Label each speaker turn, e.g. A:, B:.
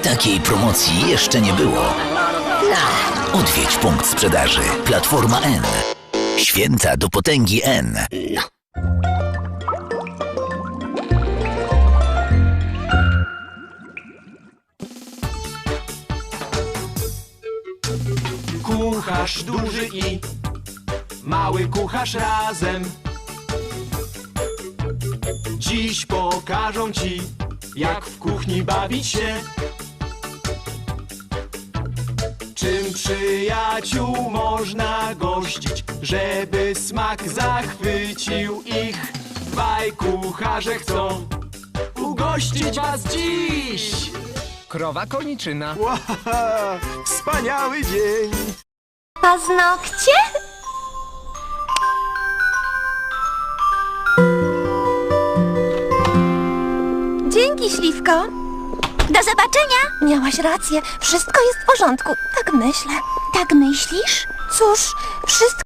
A: Takiej promocji jeszcze nie było. Odwiedź punkt sprzedaży. Platforma N. Święta do potęgi N.
B: Kucharz duży i mały kucharz razem dziś pokażą ci, jak w kuchni bawić się. Czym przyjaciół można gościć, żeby smak zachwycił ich? Dwaj kucharze chcą ugościć was dziś.
C: Krowa koniczyna.
B: Wow, wspaniały dzień.
D: Paznokcie? Dzięki, Śliwko. Do zobaczenia. Miałaś rację. Wszystko jest w porządku. Tak myślę. Tak myślisz? Cóż, wszystko